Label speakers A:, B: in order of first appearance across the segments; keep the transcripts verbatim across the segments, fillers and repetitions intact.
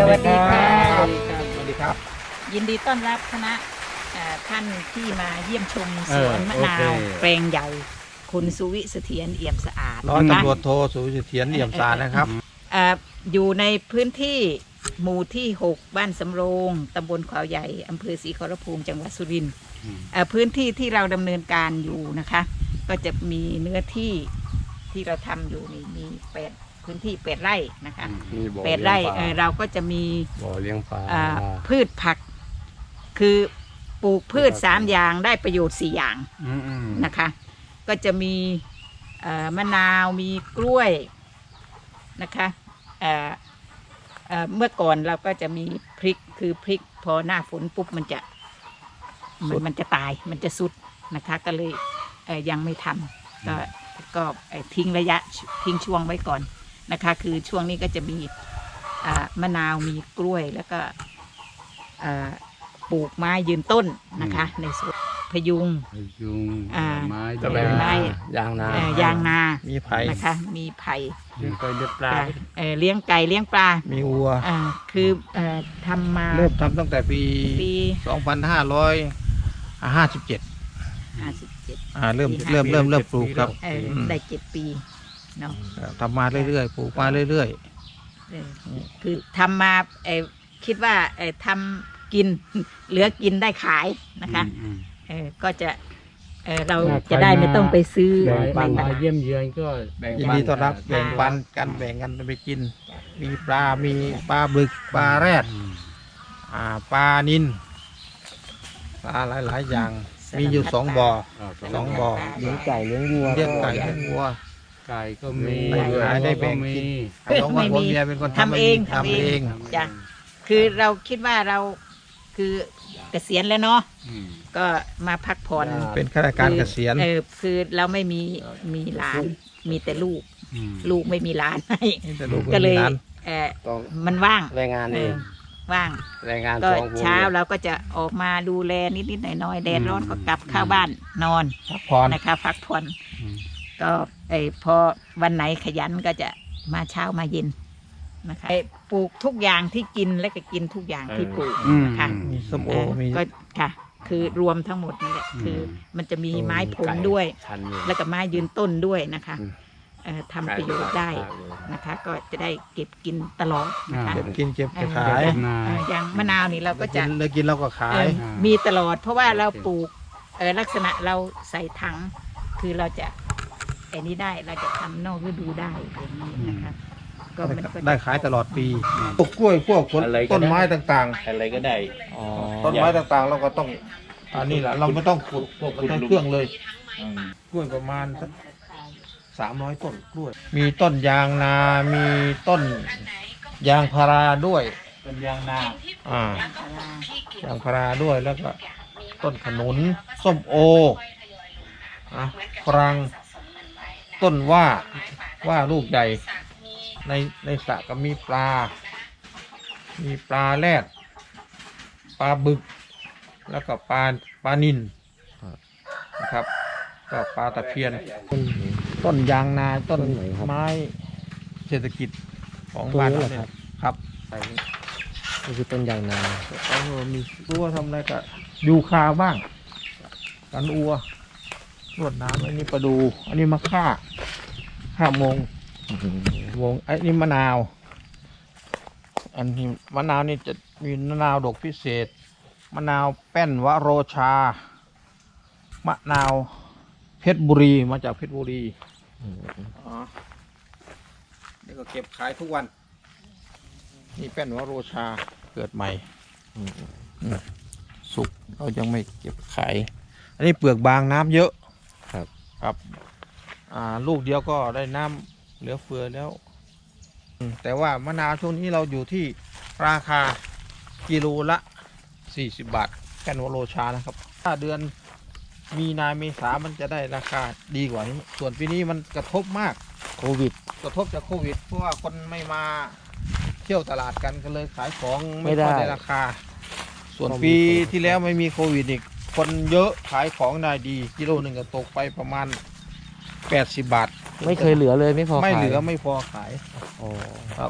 A: วัสดีค่ะ
B: สวัสดีครับ
A: ยินดีต้อนรับคณะเอ่อท่านที่มาเยี่ยมชมสวนมะนาว
C: เออโอเค
A: แปลงใหญ่คุณสุวิเสถียรเอี่ยมสะอาด
B: ร้อย
A: นะ
B: ตำรวจโทสุวิเถียรเอี่ยมสารนะครับ
A: เอ่ออยู่ในพื้นที่หมู่ที่ หก บ้านสำโรงตำบลขวาวใหญ่อำเภอศรีขอรภูมิจังหวัดสุรินทร์เอ่อพื้นที่ที่เราดำเนินการอยู่นะคะ ก็จะมีเนื้อที่ที่เราทำอยู่นี่มีแปดพื้นที่แปดไร่นะคะ
C: มีบ่อ
A: แปดไร่
C: เลี้ยงป
A: เอ่
C: ลา
A: อเราก็จะมี
C: บ่อเลี้ยงปลา
A: อ่าพืชผักคือปลูกพืชสามอย่างได้ประโยชน์สี่อย่าง
C: อืมอืม
A: นะคะ ก็จะมีเอ่อมะนาวมีกล้วยนะคะเอ่อเอ่อเมื่อก่อนเราก็จะมีพริกคือพริกพอหน้าฝนปุ๊บมันจะมันมันจะตายมันจะสุดนะคะ ก็เลยเอ่อยังไม่ทำก็ก็เอ่อทิ้งระยะทิ้งช่วงไว้ก่อนนะคะ คือช่วงนี้ก็จะมีอ่ามะนาวมีกล้วยแล้วก็อ่าปลูกไม้ยืนต้นนะคะ ในสวนพยุง
C: พยุง
A: อ่า
C: ไม้
A: ตะแบงไม้
C: ยางนา
A: เอ่อยางนา
B: มีไผ่
A: นะคะ มีไผ่
C: เลี้ยงไก่เลี้ยงปลา
A: เอ่อเลี้ยงไก่เลี้ยงปลา
B: มีวัว
A: อ่าคือเอ่อทำมา
B: เริ่มทำตั้งแต่ปี
A: ปี
B: สองพันห้าร้อยห้าสิบเจ็ด
A: ห้าสิบเจ็ด
B: อ่าเริ่มเริ่มเริ่มเริ่มปลูกครับ
A: เออ
B: ม
A: ได้เจ็ดปีเนาะ
B: ทำมาเรื่อยๆปลูกมาเรื่อย
A: เออคือทำมาเอ่อคิดว่าเอ่อทำกิน เหลือกินได้ขายนะคะ
C: อืม
A: เออก็จะเออเรา
C: ถ้าใคร
A: จะได้ไม่ต้องไปซื้อ
C: แบ่งปัน
A: ในต
C: มา
A: ลาด
C: เยี่ยมเยือนก็แบ่ง
B: ๆยิน
C: ปัน
B: ดีต้อนรับแบ่งปันกันแบ่งกันไปกิน มีปลา มีปลาบึกปลาแรด
C: อืม
B: อ่าปลานิลปลาหลายๆอย่าง มีอยู่สองบ่อ
C: า
B: สองบ่อ
C: เลี้ยงไก่เลี้ยงวัว
B: เลี้ยงไก่เลี้ยงวัว
C: ไก่ก็มี
B: ได้ขายได้แบ่งกิน น้องว่าผมเมียเป็นคนทำ
A: ทำเอง
B: ทำเอง
A: จ้ะคือเราคิดว่าเราคือเกษียณแล้วเนาะ
C: อืม
A: ก็มาพักผ่อน
B: เป็นข้าราชการเกษียณ
A: เออคือเราไม่มีมีหลานมีแต่ลูก
C: อืม
A: ลูกไม่มีหลานให้
B: นี่แต่ลูก
A: ก็เลย
B: มีหลาน
A: เออ
D: ต้อง
A: มันว่าง
D: แรงงาน
A: เอ
D: เอ
A: อง ว่าง
D: แรงงาน
A: ก็
D: สองคน
A: เช้าเราก็จะออกมาดูแลนิดๆหน่อยๆแดดร้อนก็กลับเข้าบ้านนอน
B: พักผ่อน
A: นะคะพักผ่อน
C: อืม
A: ก็ไอพอวันไหนขยันก็จะมาเช้ามาเย็นนะคะไอ้ปลูกทุกอย่างที่กินและก็กินทุกอย่างที่ปลูก
C: อืม
A: นะคะ
B: มีส้มโอ
A: เออ
B: มี
A: ก็ค่ะ คือรวมทั้งหมดนี่แหละ
C: อืม
A: คือมันจะมีไม้ผลด้วย
D: ทันอยู่
A: แล้วก็ไม้ยืนต้นด้วยนะคะ
D: อืม
A: เอ่อทำประโยชน์ได้นะคะ ก็จะได้เก็บกินตลอดนะคะ
B: เก็บกินเก็บ
A: เออ
B: ขาย
C: เก็บนา
A: เอ่ออย่างมะนาวนี่เราก็จะ
B: เลยกินเราก็ขา
A: เอย อมีตลอด เพราะว่าเราปลูกเอ่อลักษณะเราใส่ถัง คือเราจะไอ้นี้ได้เราจะทำนอกฤดูได้อย่างนี้นะคะ ก็มันก็จะ
B: ได้ขายตลอดปีพวกกล้วยพวกผล
D: อะไรก็ได้
B: ต้นไม้ต่าง
D: อะไรก็ได้
B: ๆ ต้นไม้ต่างๆ เราก็ต้องอันนี้แหละเราไม่ต้องขุดพวกใช้เครื่องเลย กล้วยประมาณสักสามร้อยต้นกล้วย มีต้นยางนา มีต้นยางพาราด้วย
C: ต้นยางนา
B: อ่า ยางพาราด้วยแล้วก็ต้นขนุนส้มโออ่ะฝรั่งต้นว่าว่าลูกใหญ่ ในในสระก็มีปลา มีปลาแรดปลาบึก แล้วก็ปลาปลานิลนะครับ ก็ปลาตะเพียน ต้นยางนาต้นไม้เศรษฐกิจของบ้านเราเนี่ยครับ
D: นี่คือต้นยางนา
B: เขามีรั้วทำอะไรก็ยูคาบ้าง กันอัวรวดน้ำอันนี้ปลาดู อันนี้มะข่าข่ามงวงไอ้นี่มะนาว อันนี้มะนาวนี่จะมีมะนาวดกพิเศษ มะนาวแป้นวโรชา มะนาวเพชรบุรีมาจากเพชรบุรีอ๋อนี่ก็เก็บขายทุกวัน นี่แป้นวโรชาเกิดใหม่อืมสุกเรายังไม่เก็บขาย อันนี้เปลือกบางน้ำเยอะ
D: ครับ
B: ครับอ่าลูกเดียวก็ได้น้ำเหลือเฟือแล้วอืมแต่ว่ามะนาวช่วงนี้เราอยู่ที่ราคากิโลละสี่สิบบาทแป้นวโรชานะครับถ้าเดือนมีนาเมษามันจะได้ราคาดีกว่านี้ ส่วนปีนี้มันกระทบมาก
D: โควิด
B: กระทบจากโควิดเพราะว่าคนไม่มาเที่ยวตลาดกันก็เลยขายของไม่
D: ไม่ได้
B: ค่อยได้ราคา ส่วน
D: ต้องมี
B: ปี
D: คน
B: ที่แล้วไม่มีโควิดอีกคนเยอะขายของได้ดีกิโลหนึ่งก็ตกไปประมาณแปดสิบบาท
D: ไม่เคยเหลือเลยไม่พอ
B: ไม่
D: ขาย
B: เหลือไม่พอขาย
D: อ๋อ
B: ครับ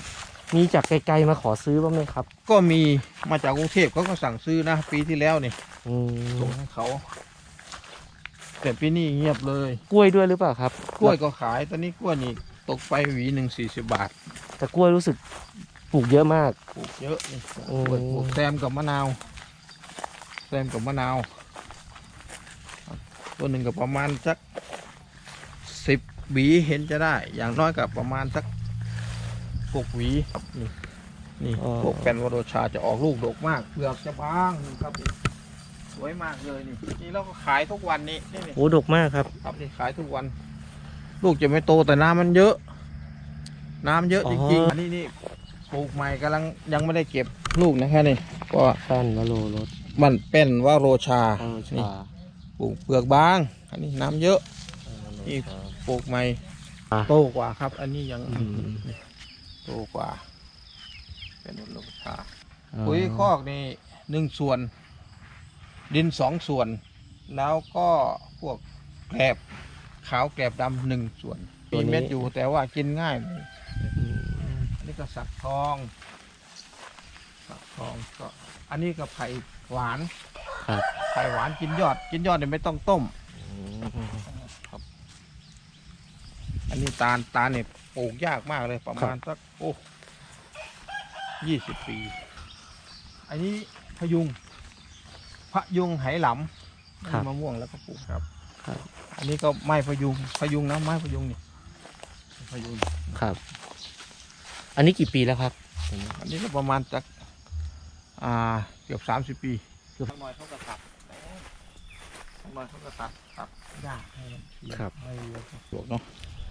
D: มีจากไกลๆมาขอซื้อบ้างไหมครับ
B: ก็มีมาจากกรุงเทพเขาก็สั่งซื้อนะปีที่แล้วนี่
D: อืม
B: ส่งให้เขา แต่ปีนี้เงียบเลย
D: กล้วยด้วยหรือเปล่าครับ
B: กล้วยก็ขายตอนนี้กล้วยนี่ตกไปหวีหนึ่งสี่สิบบาท
D: แต่กล้วยรู้สึกปลูกเยอะมาก
B: ปลูกเยอะนี่
D: อืม
B: กล้วยปลูกแซมกับมะนาวแซมกับมะนาวตัวหนึ่งก็ประมาณสักสิบหวีเห็นจะได้ อย่างน้อยกับประมาณสักหกหวีครับนี่นี่พวกแปนวโรชาจะออกลูกดกมากเปลือกจะบางครับนี่สวยมากเลยนี่นี่เราก็ขายทุกวันนี้นี่นี่
D: โอ้ดกมากครับ
B: ครับนี่ขายทุกวัน ลูกจะไม่โตแต่น้ำมันเยอะ น้ำเยอะ
D: อ๋อ
B: จริงๆอันนี้นี่ปลูกใหม่กำลังยังไม่ได้เก็บลูกนะแค่นี้ก็
D: แป้นวโรรส
B: มันเป็นว่าโรชา
D: โร
B: นี่
D: ชา
B: ปลูกเปลือกบาง อันนี้น้ำเยอะ นี่ ปลูกใหม่
D: อ่ะ
B: โตกว่าครับ อันนี้ยัง
D: อืม
B: นี่โตกว่า เป็นโรชา
D: อ๋อ
B: ปุ๋ยคอกนี่หนึ่งส่วน ดินสองส่วน แล้วก็พวกแกลบขาวแกลบดำหนึ่งส่วนมีเม็ดอยู่แต่ว่ากินง่ายหน่อย
D: อืม
B: อันนี้ก็สักทองสักทองก็ อันนี้ก็ไผ่หวาน
D: ครับ
B: ไผ่หวานกินยอด กินยอดเนี่ยไม่ต้องต้ม
D: อืม
B: ครับ อันนี้ตาลตาลเนี่ยปลูกยากมากเลยประมาณสักโอ้ยี่สิบปี อันนี้พยุงพยุงไหหลำ
D: ครับ
B: มะม่วงแล้วก็ปลูกครับ
D: ครับ
B: อันนี้ก็ไม้พยุงพยุงนะไม้พยุงนี่พยุง
D: ครับ อันนี้กี่ปีแล้วครับ
B: อันนี้ก็ประมาณจากอ่าเกือบสามสิบปีเกือบหน่อยเขาก็ตัดหน่อยเขาก็ตัดตัดหญ้าให้มันเขียว
D: ครับ
B: ให้เยอะปลูกเนาะ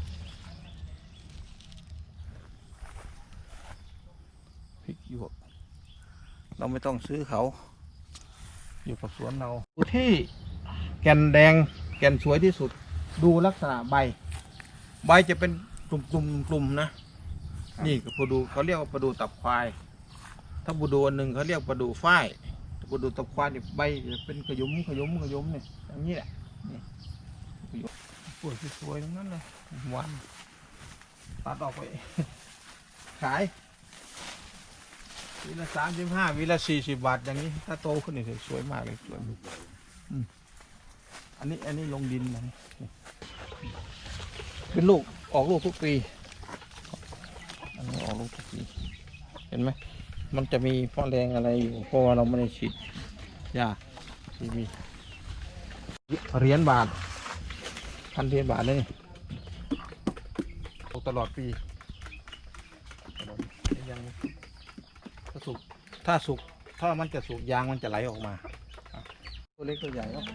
B: พริกหยวกเราไม่ต้องซื้อเขา อยู่กับสวนเราดูที่แก่นแดงแก่นสวยที่สุด ดูลักษณะใบ ใบจะเป็นกลุ่มๆกลุ่มๆนะ นี่ก็ปลาดูเขาเรียกว่าปลาดูตับควาย ถ้าปลาดูอันหนึ่งเขาเรียกปลาดูฝ้ายปลาดูตับควายนี่ใบจะเป็นขยุมขยุมขยุมเนี่ยอย่างนี้แหละนี่ขยุมสวยสวยๆทั้งนั้นเลยหวานตัดออกไป ขายวีละสามสิบห้าวีละสี่สิบบาทอย่างนี้ ถ้าโตขึ้นนี่สวยมากเลยสวยอืมอันนี้อันนี้ลงดินนะนี่เป็นลูกออกลูกทุกปี อันนี้ออกลูกทุกปีเห็นไหมมันจะมีพ่อแรงอะไรอยู่เพราะว่าเราไม่ได้ฉีดยาที่มีเหรียญบาทพันเหรียญบาทเลยนี่ตลอดปียังถ้าสุกถ้าสุกถ้ามันจะสุกยางมันจะไหลออกมาครับตัวเล็กตัวใหญ่เนาะ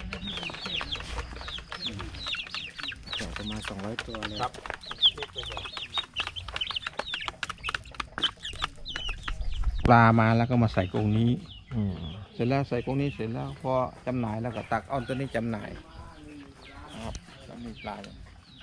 D: เดี๋ยวประมาณสองร้อยตัวเลย
B: ครับเล็กตัวใหญ่ปลามาแล้วก็มาใส่กรงนี้
D: อืม
B: เสร็จแล้วใส่กรงนี้เสร็จแล้วพอจำหน่ายแล้วก็ตักเอาตัวนี้จำหน่ายนะครับแล้วมีปลาเนี่ย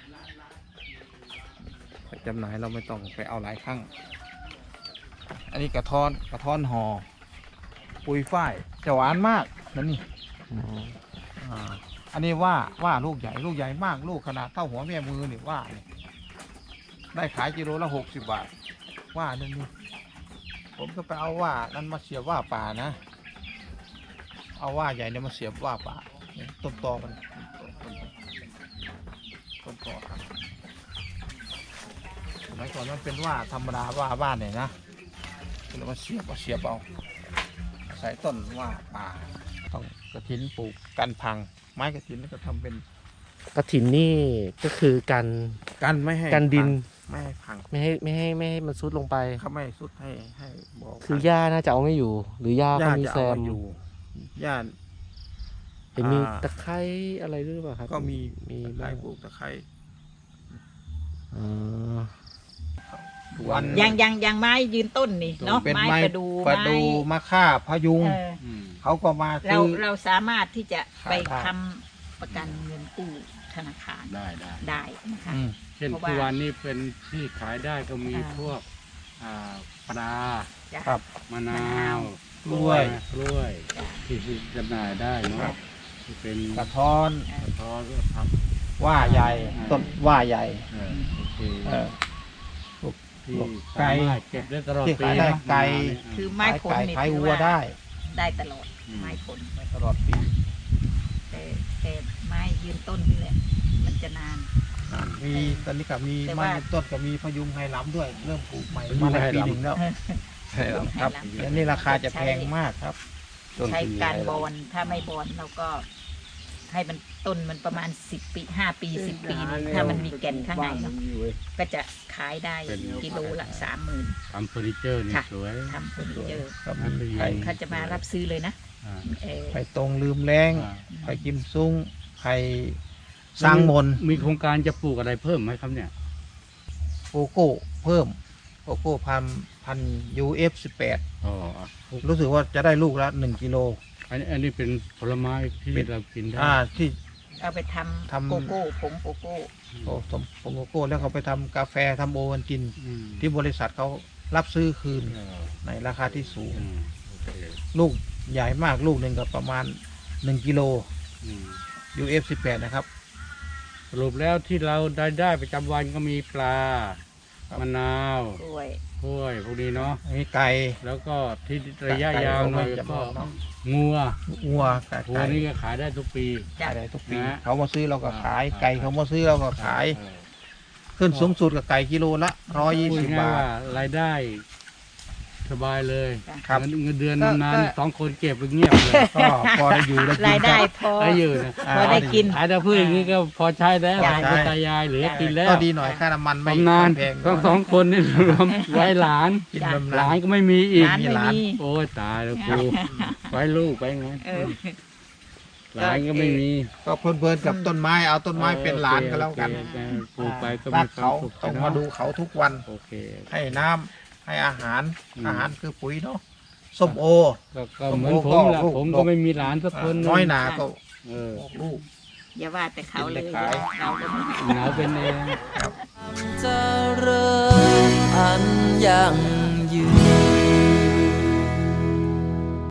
B: ไปจำหน่ายเราไม่ต้องไปเอาหลายครั้ง อันนี้กระท้อนกระท้อนหอ่อปุยฝ้ายจะหวานมากนั่นนี่
D: อืม
B: อ่าอันนี้ว่าว่าลูกใหญ่ลูกใหญ่มากลูกขนาดเท่าหัวแม่มือนี่ว่าเนี่ยได้ขายกิโลละหกสิบบาทว่านั่นนี่ผมก็ไปเอาว่านั้นมาเสียบว่าป่านะ เอาว่าใหญ่เนี่ยมาเสียบว่าป่าเนี่ยต้นตอมันต้นตอครับสมัยก่อนมันเป็นว่าธรรมดาว่าบ้านเนี่ยนะเรามาเสียบมาเสียบเอาใส่ต้นว่าป่าต้องกระถินปลูกกันพัง ไม้กระถินนี่ก็ทำเป็น
D: กระถินนี่ก็คือกัน
B: กันไม่ให้
D: กันดิน
B: พังไม่ให้พัง
D: ไม่ให้ไม่ให้ไม่ให้มันซุดลงไป
B: เขาไม่ให้สุดให้ให้บอก
D: คือหญ้าน่าจะเอาไม่อยู่ หรือหญ้าก็
B: ญาติ
D: มี
B: จะ
D: แซ
B: เอา
D: ม
B: มาอยู่ญาติ
D: เห็นมี
B: อ่า
D: ตะไคร้อะไรด้วยหรือเปล่าครับ
B: ก็มี
D: มี
B: ตะไคร้
D: บ้าง
B: ปลูกตะไคร้
D: อ๋อ
B: วัน
A: ยังยังยังไม้ยืนต้นนี่เนาะ
B: เป็น
A: ไม้
B: ไม้
A: ประดู
B: ประดู
A: ไม้
B: มะค่าพะยุง
A: เออ
C: อืม
B: เขาก็มา
A: เรา
B: ซื้อ
A: เราสามารถที่จะไป
B: ขายได้
A: ทำประกันเงินกู้ธนาคาร
C: ได้ได้
A: ได้นะคะ
B: อืม
C: เช่น
A: เพราะว่า
C: ทุกวันนี้เป็นที่ขายได้ก็มี
A: อ่า
C: พวกอ่าปลา
A: จ้ะ
B: ครับ
C: มะนาม
A: ะนาว
C: ว
B: กล้วย
C: กล้วยที่ที่จำหน่ายได้เนาะ
B: ครับ
C: ที่เป็น
B: กระท้อน
C: กระท้อนก็ท
B: ว่าใหญ่
C: อ่า
B: ต้นว่าใหญ่
C: ำเออโอเค
B: เออพวก
C: ที่
B: ไก่
C: สามารถเก็บได้ตลอด
B: ที่
C: ปี
B: ขายได้
C: เนอะ
B: ไก่
A: คือไม้ผล
B: ขาย
A: นี่
B: ขาย
A: ถือ
B: วัว
A: ว่า
B: ได้
A: ได้ตลอดไม้ผล
B: ตลอดปี
A: แต่แต่ไม้ยืนต้นนี่แหละ มันจะนาน
B: มีตอนนี้ก็มี
A: แต่
B: ไม้
A: ว่า
B: ยืนต้นก็มีพยุงไหหลำด้วย เริ่มปลูกใหม่
C: พยุง
B: มาได้
C: ไหห
B: ปี
C: ลำ
B: หนึ่งแล้ว
A: ใช่แล้ว
B: ครับอันนี้ราคาจะแพงมากครับ
D: ต้น
A: ใช้
D: ทุน
A: การ
D: ใหญ่
A: บอนถ้าไม่บอนเราก็ให้มันต้นมันประมาณสิบปีห้าปีสิบปีนี่ถ้ามันมีแก่นข้างในเนาะก็จะขายได้กิโลละสามหมื่น
C: ทำเฟอร์นิเจอร์นี่
A: ค่ะ
C: สวย
A: ทำเฟอร์นิเจอร์
B: ครับ
C: อันนี้
B: ไข่
A: เขาจะมารับซื้อเลยนะ
C: อ่า
A: เออ
B: ไข่ตรงลืมแรง
C: อ่า
B: ไข่กิมซุ้งไข่สร้างมน
C: มีโครงการจะปลูกอะไรเพิ่มไหมครับเนี่ย
B: โกโก้เพิ่มโกโก้พันพันยูเอฟสิบแปด
C: อ๋อ
B: รู้สึกว่าจะได้ลูกละหนึ่งกิโล
C: อันนี้อันนี้เป็นผลไม้ที่
B: เป็น
C: เรากินได้
B: อ่าที่
A: เอาไปทำ
B: ทำ
A: โกโก้ผงโกโก้
B: โอ้สมผงโกโก้แล้วเขาไปทำกาแฟทำโอวัลติน
C: อืม
B: ที่บริษัทเขารับซื้อคืน
C: เออ
B: ในราคาที่สูง
C: อืมโอเค
B: ลูกใหญ่มากลูกหนึ่งก็ประมาณหนึ่งกิโล
C: อืม
B: ยูเอฟสิบแปดนะครับ
C: สรุปแล้วที่เราได้ได้ประจำวันก็มีปลา
B: ครับ
C: มะนาว
A: กล้วย
C: กล้วยพวกนี้เนาะ
B: อันนี้ไก่
C: แล้วก็ที่ระยะ
B: ไก่
C: ยาวหน่อย
B: ไก่จะ
C: ก็
B: บอกเนาะ
C: งัว
B: วัวไก่
C: งัว
B: ไก่
C: นี่ก็ขายได้ทุกปี
A: จ้ะ
B: ขายได้ทุกปี
C: นะ
B: เขามาซื้อเราก็ขาย
C: อ่า
B: ไก่เขามาซื้อเราก็ขาย
C: เออ
B: ขึ้นสูงสุดกับไก่กิโลละร้อยยี่
C: พูด
B: สิบ
C: ง่าย
B: บาท
C: ว่ารายได้สบายเลย
B: ครับ
C: เงินเงินเดือน
A: ก็
C: นาน
A: ก็
C: ๆสองคนเก็บไปเงียบเลย
B: ก็พอได้อยู่ได้กิน
A: รายได้
B: ครับ
A: พอ
C: ได้อยู่นะ
B: อ่า
A: พอได้กิน
C: ขายแต่พืชอย่างนี้ก็พอใช้แล้ว
A: จ้ะ
C: หลานตายายเหลือกินแล้ว
B: ก็ดีหน่อยค่าน้ำมันไม่
C: บำนาญ
B: แพง
C: ทั้งสองคนนี่รวมไว้หลาน
B: กิน
A: จ้ะ
B: บำ
C: หลา
B: นาญ
C: นก็ไม่มีอีก
A: ร้านไม่
B: มีร้าน
A: มี
C: โอ้ยตายแล้วกูไว้ลูกไปงั้น
A: เออ
C: หลานก็ไม่มี
B: ก็เพลินๆกับต้นไม้เอาต้นไม้เป็นหลานก็แล้วกัน
C: โอเคปลูกไปก็
B: รั
C: มี
B: ก
C: ควา
B: เขา
C: มสุข
B: ต้อง
C: เนะ
B: มาดูเขาทุกวัน
C: โอเค
B: ให้น้ำให้อาหาร
C: อืม
B: อาหารคือปุ๋ยเนาะส้มโอ
C: ก็ก็เหมือนผมแหละ
B: ลูก
C: ผม
B: ลู
C: ก็
B: ก
C: ไม่มีหลานสักคนหง
B: น้อยหนาก็
C: เออ
B: ออกลูก
A: อย่าว่าแต่เขาเลย
B: กินเลยขาย
A: เราก็ไม่
C: เหงาเป็นเอง
E: เจริญอันยัง